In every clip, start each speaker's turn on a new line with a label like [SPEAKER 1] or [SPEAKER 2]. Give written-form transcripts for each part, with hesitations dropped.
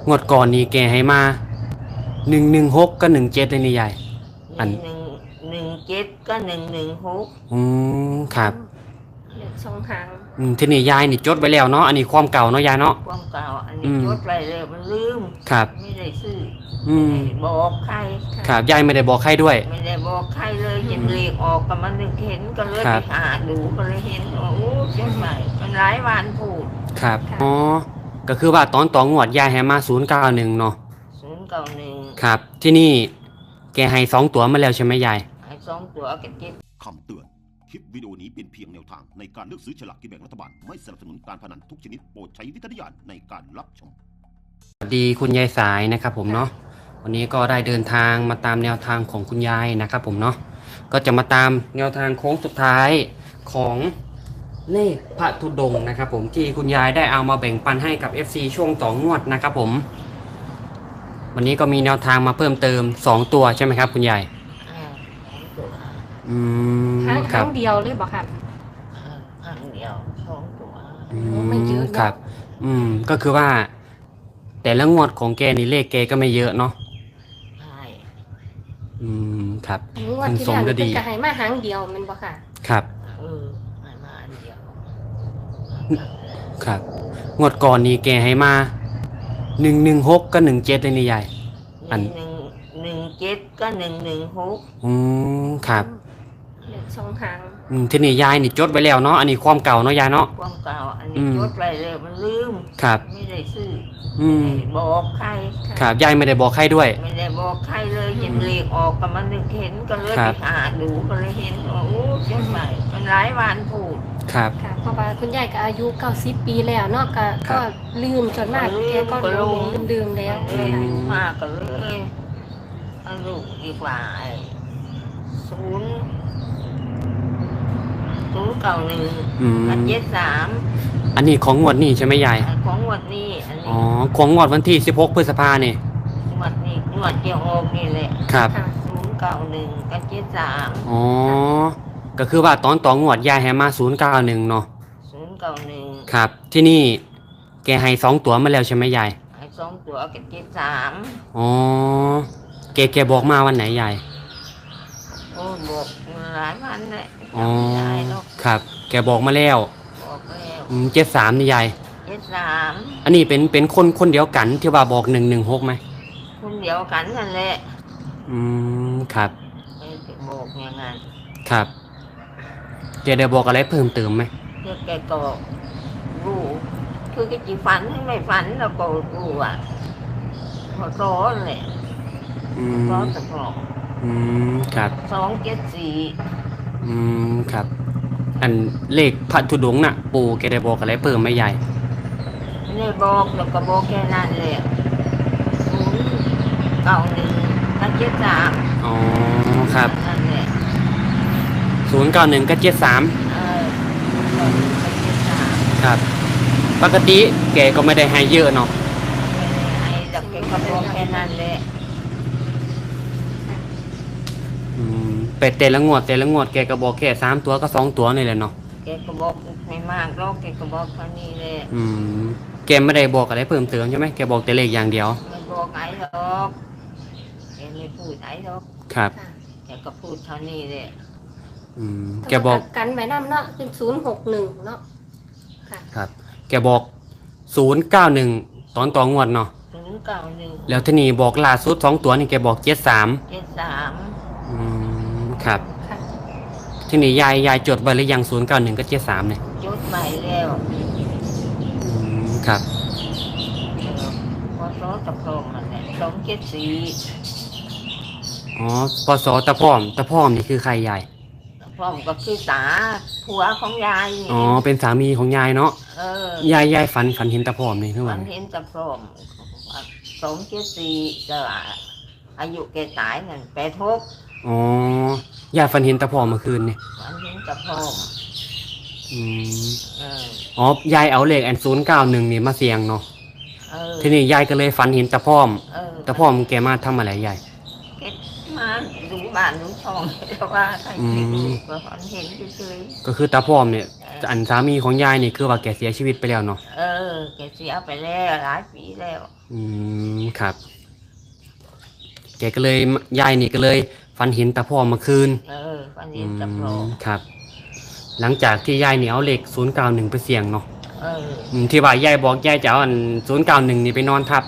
[SPEAKER 1] งวดก่อนนี่แกให้มา116กับ17เลยนี่ยายอัน
[SPEAKER 2] 117ก็116
[SPEAKER 1] ครับ
[SPEAKER 3] เหลือสองหาง
[SPEAKER 1] ทีนี้ยายนี่จดไว้แล้วเนาะอันนี้ความเก่าเนาะยายเนาะ
[SPEAKER 2] ความเก่าอันนี้จดไว้แล้วมันลืม
[SPEAKER 1] ครับ
[SPEAKER 2] ไม่ได้ซื้อ
[SPEAKER 1] อืม
[SPEAKER 2] ไม่ได้บอกใคร
[SPEAKER 1] ครับยายไม่ได้บอกใครด้วย
[SPEAKER 2] ไม่ได้บอกใครเลยเห็นเลขออกก็มันนึกเห็นก็เลยไปหาดูก็เลยเห็นว่าโอ้จดใหม่มันหลายวันพูด
[SPEAKER 1] ครับอ๋อก็คือว่าตอนต่องวดยายให้มา091เนาะ
[SPEAKER 2] 091
[SPEAKER 1] ครับที่นี่แกให้2ตัวมาแล้วใช่ไหมยาย
[SPEAKER 2] ให้2 ตัวกันเก็บ
[SPEAKER 4] คำเตือนคลิปวิดีโอนี้เป็นเพียงแนวทางในการเลือกซื้อฉลากกินแบ่งรัฐบาลไม่สนับสนุนการพนันทุกชนิดโปรดใช้วิจารณญาณในการรับชม
[SPEAKER 1] สวัสดีคุณยายสายนะครับผมเนาะวันนี้ก็ได้เดินทางมาตามแนวทางของคุณยายนะครับผมเนาะก็จะมาตามแนวทางโค้งสุดท้ายของเลขพระธุดงค์นะครับผมที่คุณยายได้เอามาแบ่งปันให้กับ FC ช่วงต่องวดนะครับผมวันนี้ก็มีแนวทางมาเพิ่มเติม2ตัวใช่ไหมครับคุณยาย
[SPEAKER 2] ตัว
[SPEAKER 1] อืม
[SPEAKER 3] หาง
[SPEAKER 1] ครั
[SPEAKER 3] เดียวเลยบอกครับ
[SPEAKER 2] หางเดียว2 ตัว
[SPEAKER 3] ไม่เยอะ
[SPEAKER 1] ครับก็คือว่าแต่ละงวดของแกนี่เลขแกก็ไม่เยอะเนาะ
[SPEAKER 2] ใช่
[SPEAKER 1] ครับ
[SPEAKER 3] งวดที่แล้วเป็นกระหายมาหางเดียวมันบอกค่ะ
[SPEAKER 1] ครับ
[SPEAKER 2] มาอันเดียว
[SPEAKER 1] ครับงวดก่อนนี่แกให้มา116กับ17เลยนี่ยาย
[SPEAKER 2] อัน117ก็116
[SPEAKER 1] ครับ
[SPEAKER 3] เหลือสองหาง
[SPEAKER 1] ทีนี้ยายนี่จดไว้แล้วเนาะอันนี้ความเก่าเนาะยายเนาะ
[SPEAKER 2] ความเก่าอันนี้จดไว้แล้วมันลืม
[SPEAKER 1] ครับ
[SPEAKER 2] ไม่ได้ซื้อไม่ได้บอกใคร
[SPEAKER 1] ครับยายไม่ได้บอกใครด้วย
[SPEAKER 2] ไม่ได้บอกใครเลยเห็นเลขออกก็มันนึกเห็นก็เลยไปหาดูก็เลยเห็นว่าโอ้จดใหม่มันหลายวันพูด
[SPEAKER 1] ครับ
[SPEAKER 3] เพราะว่าคุณยายก็อายุ90 ปีแล้วเนาะก็ลืมจนมากแกก็ลืมแล้ว
[SPEAKER 2] มากก็เลยเอาลูกดีกว่า091กับ73
[SPEAKER 1] อันนี้ของงวดนี้ใช่ไหมยาย
[SPEAKER 2] ของงวดนี้อันนี้
[SPEAKER 1] ของงวดวันที่16พฤษภาเนี่ย
[SPEAKER 2] งวดนี้งวดเกี่ยวออกนี่แหละ
[SPEAKER 1] ครับ
[SPEAKER 2] 091กับ73
[SPEAKER 1] ก็คือว่าตอนต่องวดยายให้มา091เนาะ
[SPEAKER 2] 091
[SPEAKER 1] ครับที่นี่แกให้2ตัวมาแล้วใช่ไหมยาย
[SPEAKER 2] ให้2 ตัวกับ73
[SPEAKER 1] แกบอกมาวันไหนยาย
[SPEAKER 2] โอ้บอกหลายวันเลย
[SPEAKER 1] ครับแกบอกมาแล้ว
[SPEAKER 2] บอกแล้ว
[SPEAKER 1] 73นี่ยาย
[SPEAKER 2] 73
[SPEAKER 1] อันนี้เป็นคนเดียวกันที่ว่าบอก116ไหม
[SPEAKER 2] คนเดียวกันนั่นแหละ
[SPEAKER 1] ครับ
[SPEAKER 2] บอกอย่างนั้น
[SPEAKER 1] ครับแกได้บอกอะไรเพิ่มเติมไหม
[SPEAKER 2] แกก็รู้คือแกจีฝันให้ไม่ฝันเราก็รู้อ่ะพอร้อนเลยร้อนตะกรอก
[SPEAKER 1] ครับ
[SPEAKER 2] 274
[SPEAKER 1] ครับอันเลขพระธุดงค์น่ะปู่แกได้บอกอะไรเพิ่มไหมยาย
[SPEAKER 2] ไม่ได้บอกแล้วก็บอกแค่นั้นแหละ091กับ73
[SPEAKER 1] ครับ
[SPEAKER 2] นั่นแหละ
[SPEAKER 1] 091กับ73ครับปกติแกก็ไม่ได้ให้เยอะเนาะ
[SPEAKER 2] ให้แต่แกก็บอกแค่นั้นแหละ
[SPEAKER 1] เป็ดแต่ละงวดแกก็บอกแค่3ตัวก็2ตัวนี่แหละเนาะ
[SPEAKER 2] แกก็บอกไม่มากหรอกแกก็บอกเท่านี้แหละ
[SPEAKER 1] แกไม่ได้บอกอะไรเพิ่มเติมใช่ไหมแกบอกแต่เลขอย่างเดียว
[SPEAKER 2] ไม่บอกไหนหรอกแกไม่พูดไหนหรอก
[SPEAKER 1] ครับ
[SPEAKER 2] แกก็พูดเท่านี้แหละ
[SPEAKER 1] แกบอก
[SPEAKER 3] กันไว้น้ำเนาะเป็น061เนาะ
[SPEAKER 1] ครับแกบอก091ตอนต่องวดเนาะ
[SPEAKER 2] 091
[SPEAKER 1] แล้วที่นี่บอกล่าสุด2ตัวนี่แกบอก73ครับที่นี่ยายจดไว้หรือยัง091กับ73เนี่ย
[SPEAKER 2] จดใหม่แล้ว
[SPEAKER 1] ครับ
[SPEAKER 2] พอสอตะพร้อมมันเนี่ย274
[SPEAKER 1] ปศตะพร้อมนี่คือใครยาย
[SPEAKER 2] ตะพร้อมก็คือตาผัวของยายนี่
[SPEAKER 1] เป็นสามีของยายเนาะยายฝันเห็นตะพร้อมนี่ทุกวัน
[SPEAKER 2] ฝันเห็นตะพร้อม274จะอายุแกตายนั่น86
[SPEAKER 1] ยายฝันเห็นตะพร้อมเมื่อคืนนี่
[SPEAKER 2] ฝันเห็นตะพร้อม
[SPEAKER 1] ยายเอาเลข091นี่มาเสี่ยงเนาะทีนี้ยายก็เลยฝันเห็นตะพร้อมแกมาทำอะไรยาย
[SPEAKER 2] แกมาดูบ้านดูช่องแต่ว่าใครไม่ดูก็ฝันเห็นเฉย
[SPEAKER 1] ก็คือตาพร้อมเนี่ยอันสามีของยายนี่คือว่าแกเสียชีวิตไปแล้วเนาะ
[SPEAKER 2] ๆแกเสียไปแล้วหลายปีแล้ว
[SPEAKER 1] ครับ แกก็เลยยายนี่ก็เลยฝันเห็นตาพร้อมเมื่อคืน
[SPEAKER 2] ฝันเห็นตะโพรง
[SPEAKER 1] ครับ หลังจากที่ยายนี่เอาเลข091ไปเสี่ยงเนาะ
[SPEAKER 2] เออ
[SPEAKER 1] ที่ว่ายายบอกยายจะเอาอัน091นี่ไปนอนทับ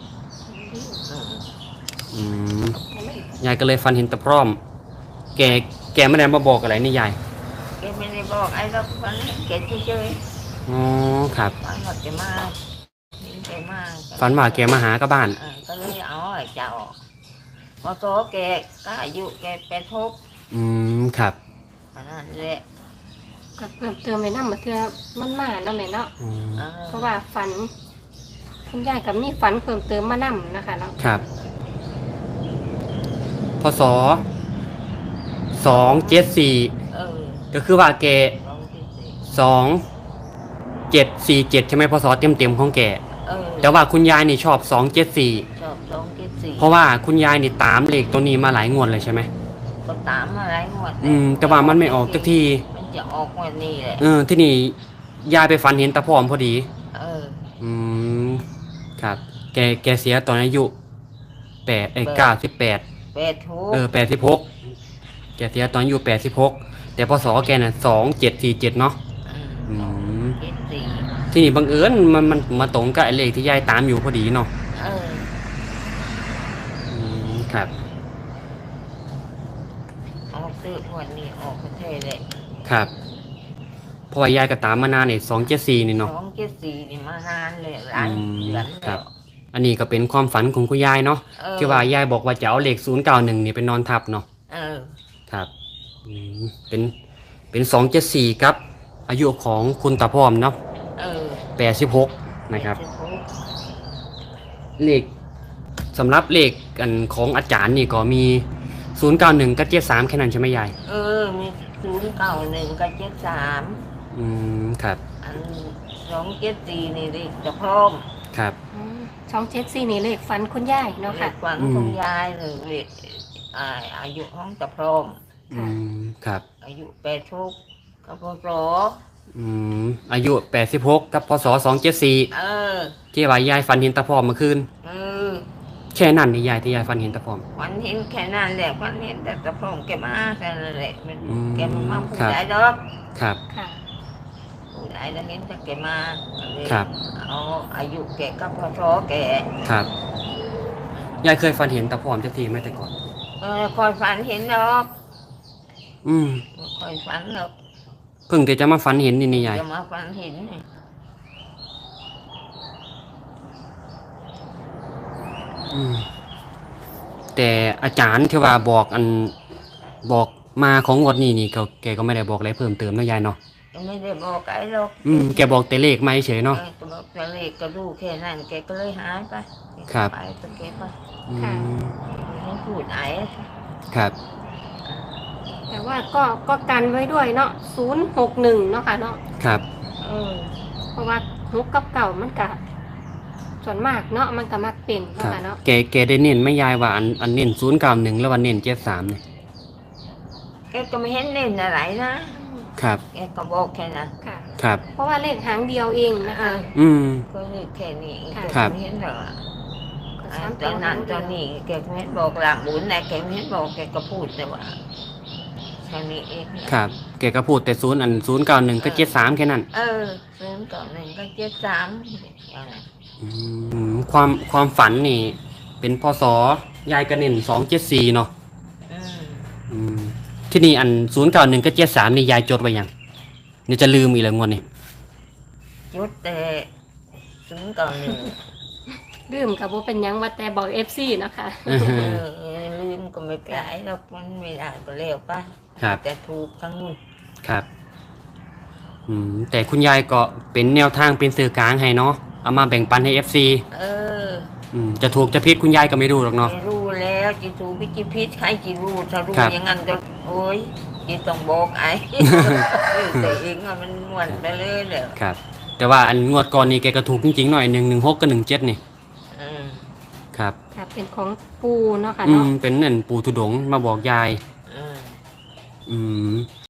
[SPEAKER 2] อืม
[SPEAKER 1] อืมยายก็เลยฝันเห็นตาพร้อม แกไม่ได้มาบอกอะไรนี่ยาย
[SPEAKER 2] แกไม่ได้บอกไอ้เราฝันเห็นแกเฉย
[SPEAKER 1] อ๋อครับ
[SPEAKER 2] ๆฝันว่าแกมาเห็นแกมา
[SPEAKER 1] ฝันว่าแกมาหากับบ้าน
[SPEAKER 2] ก็เลยเอาไอ้เจ้าพอโตแกก็อายุแก86
[SPEAKER 1] ครับ
[SPEAKER 2] อันนั้นแหละ
[SPEAKER 3] ก็เพิ่มเติมไปนำมาเทื่อมันมาเนาะแม่เนาะ
[SPEAKER 1] อืม
[SPEAKER 3] เพราะว่าฝัน คุณยายกับมีฝันเพิ่มเติมมานำนะคะเนาะ
[SPEAKER 1] ครับพศ274
[SPEAKER 2] เออ
[SPEAKER 1] ก็คือว่าแก
[SPEAKER 2] ลองที่สิ
[SPEAKER 1] 2747ใช่ไหมพศเต็มๆของแก
[SPEAKER 2] แต่
[SPEAKER 1] แต่ว่าคุณยายนี่ชอบ274
[SPEAKER 2] ชอบลองที่สิ
[SPEAKER 1] เพราะว่าคุณยายนี่ตามเลขตัวนี้มาหลายงวดเลยใช่ไหม
[SPEAKER 2] ก็ตามมาหลายงวด
[SPEAKER 1] แต่ว่ามันไม่ออกสักที
[SPEAKER 2] มันจะออกงวันนี้แหละ
[SPEAKER 1] ที่นี่ยายไปฝันเห็นตาพร้อมพอดี
[SPEAKER 2] เออ
[SPEAKER 1] อืมครับ แกเสียตอนอายุ98
[SPEAKER 2] 86
[SPEAKER 1] แกเสียตอนอายุ86แต่พศแกน่ะ2747เนาะ อืม
[SPEAKER 2] 74
[SPEAKER 1] ที่นี่บังเอิญมันมาตรงกับไอ้เลขที่ยายตามอยู่พอดีเนาะ
[SPEAKER 2] เออ
[SPEAKER 1] ครับ
[SPEAKER 2] ออกซื้องวันนี้ออกประเทศเลย
[SPEAKER 1] ครับเพราะว่ายายก็ตามมานานเนี่ย274นี่เนาะ
[SPEAKER 2] 274นี่มานานเลยหลายเดือน
[SPEAKER 1] ครั
[SPEAKER 2] แล้
[SPEAKER 1] บ
[SPEAKER 2] ว
[SPEAKER 1] อันนี้ก็เป็นความฝันของคุณยายเนาะ ที่ว่ายายบอกว่าจะเอาเลข091นี่ไปนอนทับเนาะ
[SPEAKER 2] เออ
[SPEAKER 1] ครับเป็น274ครับ อายุของคุณตาพร้อมเนาะ
[SPEAKER 2] เออ
[SPEAKER 1] 86นะครับ
[SPEAKER 2] 86
[SPEAKER 1] เลขสำหรับเลขอันของอาจารย์นี่ก็มี091กับ73แค่นั้นใช่ไหมยาย
[SPEAKER 2] มี091กับ73
[SPEAKER 1] ครับ
[SPEAKER 2] อัน274นี่ดิจะพร้อม
[SPEAKER 1] ครับ
[SPEAKER 3] 274นี่เลขฝันคุณยายเนาะ
[SPEAKER 2] เล
[SPEAKER 3] ค่ะ
[SPEAKER 2] ขฝันของยายเลยเลขอายุของจะพร้อม
[SPEAKER 1] ครับ
[SPEAKER 2] อายุ86กับพศ
[SPEAKER 1] อายุ86กับพศ274
[SPEAKER 2] เออ
[SPEAKER 1] ที่ว่ายายฝันเห็นตาพร้อมเมื่อคืน
[SPEAKER 2] เออ
[SPEAKER 1] แค่นั้นนี่ยายที่ยายฝันเห็นตาพร้อม
[SPEAKER 2] ฝันเห็นแค่นั้นแหละฝันเห็นแต่จะพร้อมแกมาแค่นั้นแหละมัน แกมาพูด
[SPEAKER 1] ครับ
[SPEAKER 2] ได้ดอก
[SPEAKER 1] ครับ
[SPEAKER 3] ค่ะ
[SPEAKER 2] พูดได้แล้วเห็นแต่แกมาก็เลย
[SPEAKER 1] ครับ
[SPEAKER 2] เอาอายุแกกับพศแก
[SPEAKER 1] ครับยายเคยฝันเห็นตาพร้อมจักทีไหมแต่ก่อน
[SPEAKER 2] คอยฝันเห็นดอก
[SPEAKER 1] อืม
[SPEAKER 2] คอยฝันดอก
[SPEAKER 1] เพิ่งแต่จะมาฝันเห็นนี่ยาย
[SPEAKER 2] จะมาฝันเห็นนี่
[SPEAKER 1] แต่อาจารย์ที่ว่าบอกบอกมาของงวดนี้นี่แกก็ไม่ได้บอกอะไรเพิ่มเติมเนาะยายเนาะ
[SPEAKER 2] ไม่ได้บอกไอ้หรอก
[SPEAKER 1] แกบอกแต่เลขไม่เฉยเนาะ
[SPEAKER 2] ก็บอกแต่เลขก็ดูแค่นั้นแกก็เลยหายไป
[SPEAKER 1] ครับ
[SPEAKER 2] ไปก็แกไป
[SPEAKER 1] อืม
[SPEAKER 2] ให้พูดไอ้
[SPEAKER 1] ครับ
[SPEAKER 3] แต่ว่าก็กันไว้ด้วยเนาะ061เนาะค่ะเนาะ
[SPEAKER 1] ครับ
[SPEAKER 2] เออ
[SPEAKER 3] เพราะว่าฮุกกับเก่ามันก็ส่วนมากเนาะมันก็มักเป็น
[SPEAKER 1] ค
[SPEAKER 3] เนาะ
[SPEAKER 1] รับ
[SPEAKER 3] ค่ะเนาะ
[SPEAKER 1] แกได้เน้นไหม่ยายว่าอันเน้น091แล้ววันเน้น73เนี่ย
[SPEAKER 2] แกก็ไม่เห็นเล่นอะไรนะครับ แกก็บอกแค่นั้น
[SPEAKER 3] ค่ะ
[SPEAKER 1] ครับ
[SPEAKER 3] เพราะว่าเลขหางเดียวเองนะคะ
[SPEAKER 1] อืม
[SPEAKER 2] ก็เลขแค่นี้แก
[SPEAKER 1] ครับ
[SPEAKER 2] ไม่เห็นหรอก
[SPEAKER 3] ก็
[SPEAKER 2] ต
[SPEAKER 3] สาม
[SPEAKER 2] อนนั้นตอนนี้แกไม่เห็นบอกหลังบุญนะแกไม่เห็นบอกแกก็พูดแต่ว่าแค่นี้เอง
[SPEAKER 1] ครับ แกก็พูดแต่091กับ73แค่นั้น
[SPEAKER 2] 091ก็73อย่างนั้น
[SPEAKER 1] ความฝันนี่ เป็นพศยายก็เน้น274เนาะ
[SPEAKER 2] อืม
[SPEAKER 1] ที่นี่อัน091กับ73นี่ยายจดไว้ยังนี่จะลืมอีกแล้วงวดนี้
[SPEAKER 2] จุดแต่091
[SPEAKER 3] ลืมกับว่าเป็นหยังว่าแต่บอก FC เนาะค่ะ
[SPEAKER 2] ลืมก็ไม่เป็นไรหรอกมันไม่ได้ก็เร็วไป
[SPEAKER 1] ครับ
[SPEAKER 2] แต่ถูกทั้งนู้น
[SPEAKER 1] ครับ แต่คุณยายก็เป็นแนวทางเป็นสื่อกลางให้เนาะ เอามาแบ่งปันให้ FC
[SPEAKER 2] เออ
[SPEAKER 1] จะถูกจะผิดคุณยายก็ไม่รู้หรอกเนาะ
[SPEAKER 2] ไม่รู้แล้วจิถูกพิจิพิษใครจิรู้ถ้ารู้
[SPEAKER 1] ครับ
[SPEAKER 2] อย่างนั้นจะโอ้ยจิต้องบอกไอ้ แต่เองอะมันม่วนไปเลยเด้อ
[SPEAKER 1] ครับ แต่ว่าอันงวดก่อนนี่แกก็ถูกจริงๆหน่อย116กับ17นี่
[SPEAKER 2] อืม
[SPEAKER 1] ครับ
[SPEAKER 3] ค่ะเป็นของปูเนาะค่ะเนาะ
[SPEAKER 1] เป็นเน่นปู่ทุดงค์มาบอกยาย
[SPEAKER 2] เออ
[SPEAKER 1] อืม